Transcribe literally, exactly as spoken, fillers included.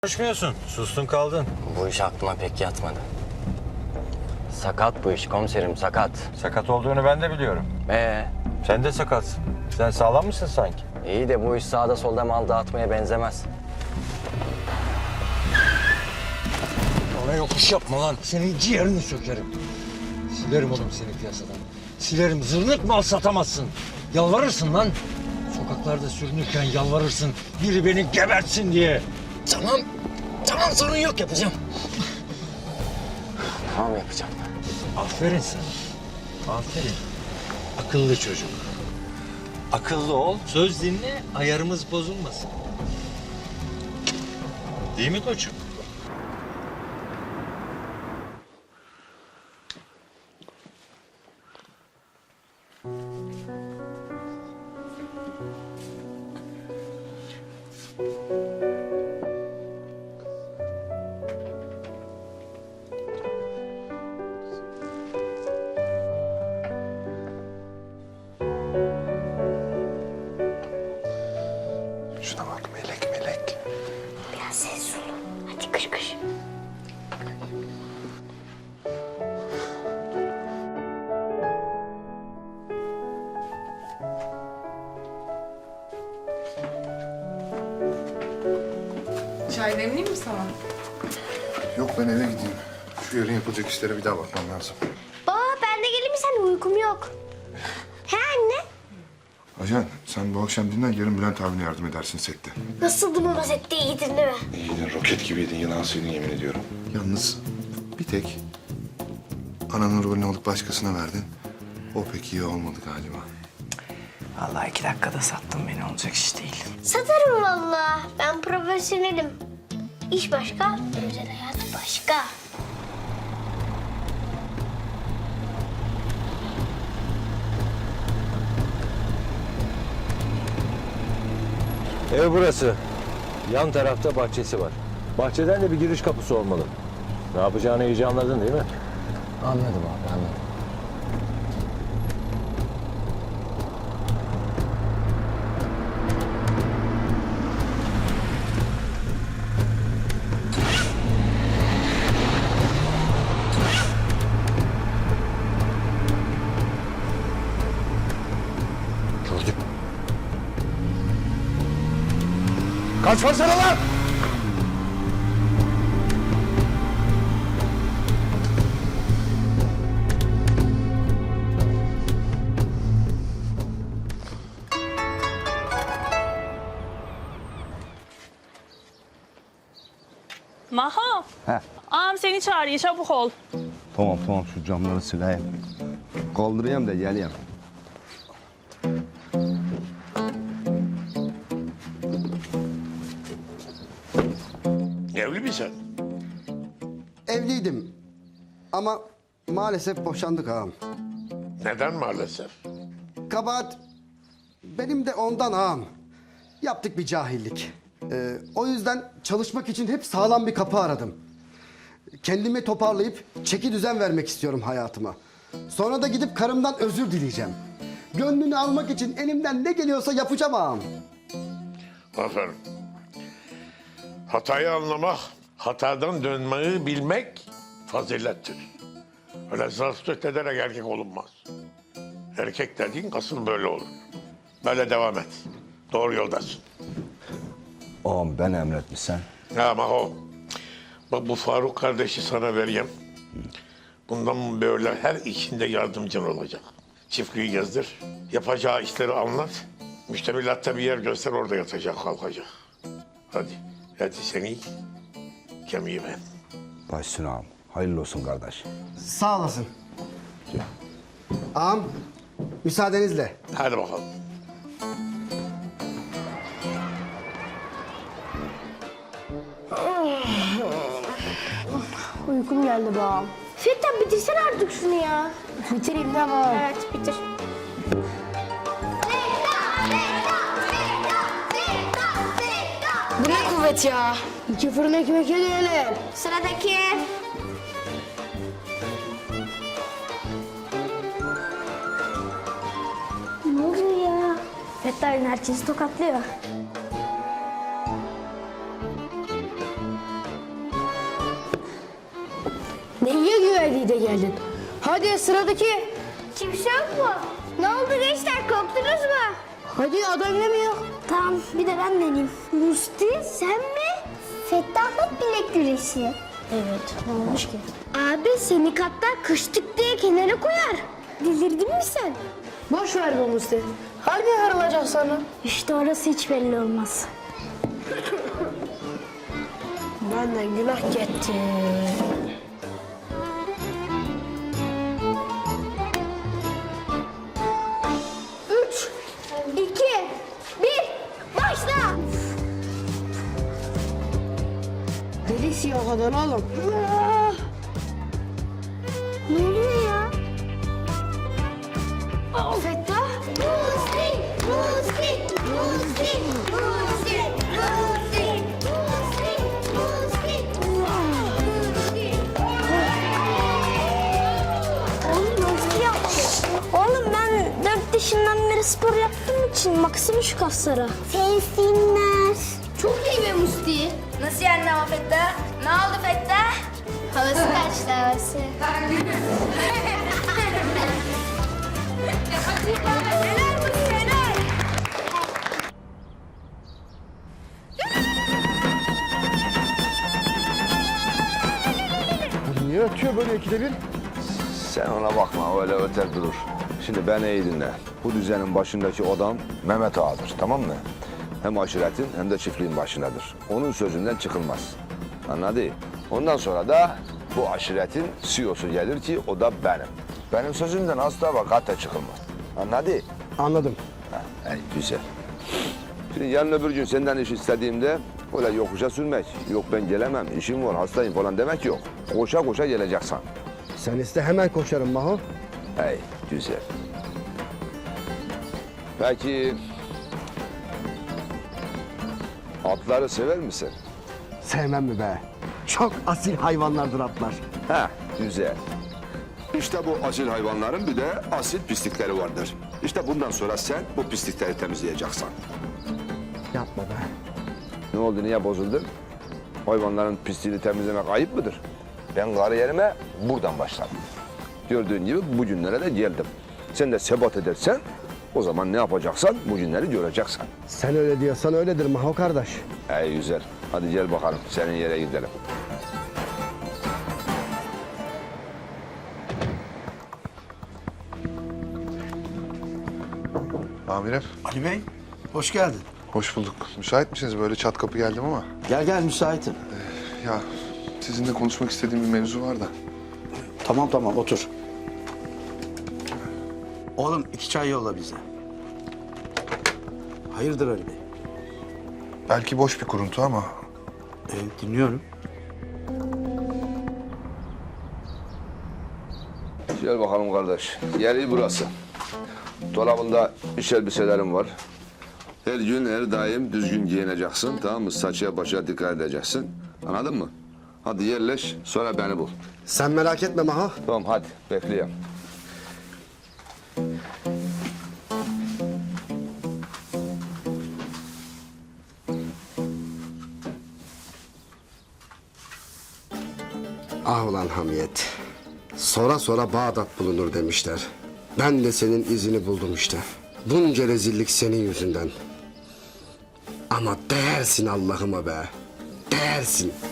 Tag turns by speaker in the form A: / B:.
A: Konuşmuyorsun. Sustun kaldın.
B: Bu iş aklıma pek yatmadı. Sakat bu iş komiserim, sakat.
A: Sakat olduğunu ben de biliyorum.
B: Ee,
A: Sen de sakatsın. Sen sağlam mısın sanki?
B: iyi de bu iş sağda solda mal dağıtmaya benzemez.
C: Bana yokuş yapma lan. Senin ciğerini sökerim. Silerim oğlum seni piyasadan. Silerim. Zırnık mal satamazsın. Yalvarırsın lan. Sokaklarda sürünürken yalvarırsın. Biri beni gebertsin diye. Tamam. Tamam, sorun yok, yapacağım.
B: Tamam yapacağım.
C: Aferin sana. Aferin. Akıllı çocuk. Akıllı ol. Söz dinle. Ayarımız bozulmasın. Değil mi koçum?
D: Şuna bak, melek melek.
E: Biraz sessiz olun. Hadi kış kış.
F: Çay demleyeyim mi sana?
D: Yok, ben eve gideyim. Şu yarın yapılacak işlere bir daha bakmam lazım.
E: Baba ben de geleyim mi sen? Uykum yok. He anne?
D: Ajan, sen bu akşam dinlen, yarın Bülent abine yardım edersin sette.
E: Nasıldı baba, sette iyiydin değil mi?
D: İyiydin, roket gibiydin, yılan sıydın yemin ediyorum. Yalnız bir tek ananın rolünü alıp başkasına verdin. O pek iyi olmadı galiba.
G: Vallahi iki dakikada sattın beni, olacak iş değil.
E: Satarım vallahi. Ben profesyonelim. İş başka, özel hayat başka.
A: Ev burası. Yan tarafta bahçesi var. Bahçeden de bir giriş kapısı olmalı. Ne yapacağını iyice anladın değil mi?
B: Anladım abi, anladım.
A: Gördüm. Kaçmasana lan!
H: Maho.
I: He.
H: Ağam seni çağırıyor, çabuk ol.
I: Tamam tamam, şu camları sileyim. Kaldırayım da geleyim.
J: Evli misin?
I: Evliydim ama maalesef boşandık ağam.
J: Neden maalesef?
I: Kabahat benim de ondan ağam. Yaptık bir cahillik. Ee, o yüzden çalışmak için hep sağlam bir kapı aradım. Kendimi toparlayıp çeki düzen vermek istiyorum hayatıma. Sonra da gidip karımdan özür dileyeceğim. Gönlünü almak için elimden ne geliyorsa yapacağım ağam.
J: Aferin. Hatayı anlamak, hatadan dönmeyi bilmek fazilettir. Öyle zastüt ederek erkek olunmaz. Erkek dediğin kasın böyle olur. Böyle devam et. Doğru yoldasın.
I: Ağam ben emretmişsen.
J: Ama o, bak bu Faruk kardeşi sana vereyim. Bundan böyle her işinde yardımcın olacak. Çiftliği gezdir, yapacağı işleri anlat. Müştemilatta bir yer göster, orada yatacak, kalkacak. Hadi, hadi seni kemiği ben.
I: Başsın ağam. Hayırlı olsun kardeş. Sağ olasın. Ağam müsaadenizle.
J: Hadi bakalım.
E: Uykum geldi babam. Fettah bitirsene artık şunu ya. Bitireyim de babam. Evet bitir.
F: Bu ne kuvvet ya?
E: İki fırın ekmek yedim. Sıradaki. Ne oluyor ya? Fettah herkesi tokatlıyor.
F: iyi de geldin. Hadi sıradaki.
E: Kimse yok mu? Ne oldu gençler, korktunuz mu?
F: Hadi adam yemiyor.
E: Tamam, bir de ben deneyeyim. Musti, sen mi? Fettahlık bilek güreşi.
F: Evet, ne olmuş ki?
E: Abi seni katlar kıştık diye kenara koyar. Delirdin mi sen?
F: Boş ver bu Musti. Harbi harılacak sana.
E: İşte orası hiç belli olmaz.
F: Benden günah gitti.
E: Üç, iki, bir, başla!
F: Delisi yok kadın oğlum.
E: Ne oluyor ya? Aa, Fettah? Musti! Musti! Musti! Musti! Musti! Musti! Musti! Musti! Oğlum Musti yaptı. Oğlum ben dört yaşından beri spor yaptığım için baksana şu kaslara. Sevsinler. Çok iyi be Musti.
K: Nasıl yani ama Fettah? Ne oldu Fettah?
E: Havası kaçtı havası.
K: Helal Musti helal.
I: Niye ötüyor böyle ikide bir?
A: Sen ona bakma, öyle öter durur. Şimdi beni iyi dinle. Bu düzenin başındaki adam Mehmet Ağa'dır, tamam mı? Hem aşiretin hem de çiftliğin başındadır. Onun sözünden çıkılmaz. Anladın? Ondan sonra da bu aşiretin C E O'su gelir ki o da benim. Benim sözümden asla ve kata çıkılmaz. Anladın?
I: Anladım.
A: Ha, iyi, güzel. Şimdi yarın öbür gün senden iş istediğimde öyle yokuşa sürmek, yok ben gelemem, işim var, hastayım falan demek yok. Koşa koşa geleceksin.
I: Sen iste hemen koşarım Maho.
A: Hey, güzel. Peki atları sever misin?
I: Sevmem mi be? Çok asil hayvanlardır atlar.
A: Ha, güzel. İşte bu asil hayvanların bir de asil pislikleri vardır. İşte bundan sonra sen bu pislikleri temizleyeceksin.
I: Yapma be.
A: Ne oldu, niye bozuldun? Hayvanların pisliğini temizlemek ayıp mıdır? Ben kariyerime buradan başladım. Gördüğün gibi bugünlere de geldim. Sen de sebat edersen o zaman ne yapacaksan bugünleri göreceksin.
I: Sen öyle diyorsan öyledir Maho kardeş.
A: Hey güzel. Hadi gel bakalım senin yere gidelim.
D: Amirim,
L: Ali Bey, hoş geldin.
D: hoş bulduk. Müsait misiniz? Böyle çat kapı geldim ama.
L: Gel gel müsaitim.
D: Ya sizinle konuşmak istediğim bir mevzu var da.
L: Tamam tamam otur. Oğlum iki çay yolla bize. Hayırdır Ali Bey?
D: Belki boş bir kuruntu ama
L: Ee, dinliyorum.
A: Gel bakalım kardeş. Yeri burası. Dolabında iş elbiselerim var. Her gün her daim düzgün giyineceksin, tamam mı? Saçıya başa dikkat edeceksin. Anladın mı? Hadi yerleş, sonra beni bul.
I: Sen merak etme Maho.
A: Tamam hadi, bekliyorum.
I: Ah ulan Hamiyet. Sonra sonra Bağdat bulunur demişler. Ben de senin izini buldum işte. Bunca rezillik senin yüzünden. Ama değersin Allah'ıma be. Değersin.